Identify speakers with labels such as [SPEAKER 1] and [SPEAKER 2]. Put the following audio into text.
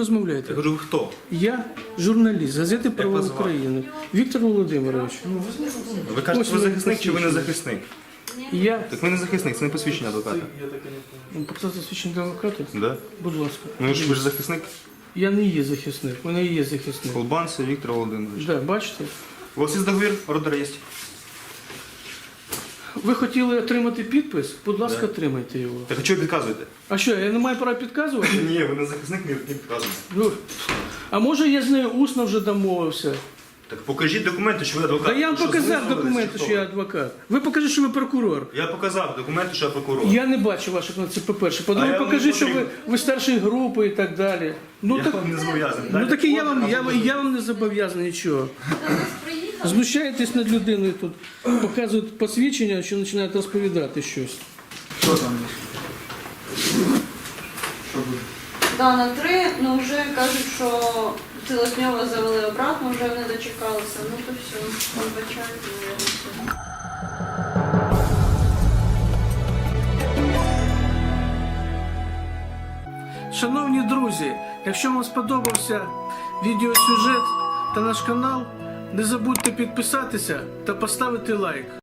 [SPEAKER 1] розмовляєте?
[SPEAKER 2] Я кажу, ви хто?
[SPEAKER 1] Я журналіст газети «Право
[SPEAKER 2] вас звати?
[SPEAKER 1] України». Віктор Володимирович.
[SPEAKER 2] Ви кажете,
[SPEAKER 1] Ось
[SPEAKER 2] ви
[SPEAKER 1] ви
[SPEAKER 2] захисник чи ви не
[SPEAKER 1] посвідчення.
[SPEAKER 2] захисник?
[SPEAKER 1] Я
[SPEAKER 2] Так ви не захисник, це не посвідчення адвоката.
[SPEAKER 1] показати свідчення адвоката?
[SPEAKER 2] Да?
[SPEAKER 1] Будь ласка.
[SPEAKER 2] Ну ви ж захисник?
[SPEAKER 1] Я не є захисник, у мене є захисник.
[SPEAKER 2] Колбанцев Віктор Володимирович.
[SPEAKER 1] Да, бачите?
[SPEAKER 2] У вас є договір? Ордер є?
[SPEAKER 1] Ви хотіли отримати підпис? Будь ласка, отримайте його.
[SPEAKER 2] Так а чого ви підказуєте?
[SPEAKER 1] А що, я не маю права підказувати?
[SPEAKER 2] Ні, ви не захисник, не підказуєте.
[SPEAKER 1] Ну, а може я з нею усно вже домовився?
[SPEAKER 2] Так покажіть документи, що ви адвокат.
[SPEAKER 1] Та я вам
[SPEAKER 2] Ви що,
[SPEAKER 1] показав
[SPEAKER 2] знайомились,
[SPEAKER 1] документи,
[SPEAKER 2] чи
[SPEAKER 1] що я
[SPEAKER 2] хто?
[SPEAKER 1] адвокат. Ви покажіть, що ви прокурор.
[SPEAKER 2] Я показав документи, що я прокурор.
[SPEAKER 1] Я не бачу ваших на це, по-перше.
[SPEAKER 2] А
[SPEAKER 1] По-друге,
[SPEAKER 2] я вам
[SPEAKER 1] покажіть,
[SPEAKER 2] не
[SPEAKER 1] що
[SPEAKER 2] потрібен.
[SPEAKER 1] ви старшої групи і так далі. Ну
[SPEAKER 2] Я
[SPEAKER 1] так,
[SPEAKER 2] вам не зобов'язаний.
[SPEAKER 1] ну,
[SPEAKER 2] Дайте
[SPEAKER 1] так і
[SPEAKER 2] ордер,
[SPEAKER 1] я вам не зобов'язаний нічого. Знущаєтесь над людиною тут, показують посвідчення, що починають розповідати щось.
[SPEAKER 3] Що там? Що буде?
[SPEAKER 4] Да, на 3, ну вже кажуть, що Цілосньова завели обратно, вже не дочекалися. Ну то все, вибачайте, наверное, все.
[SPEAKER 1] Шановні друзі, якщо вам сподобався відеосюжет та наш канал, не забудьте підписатися та поставити лайк.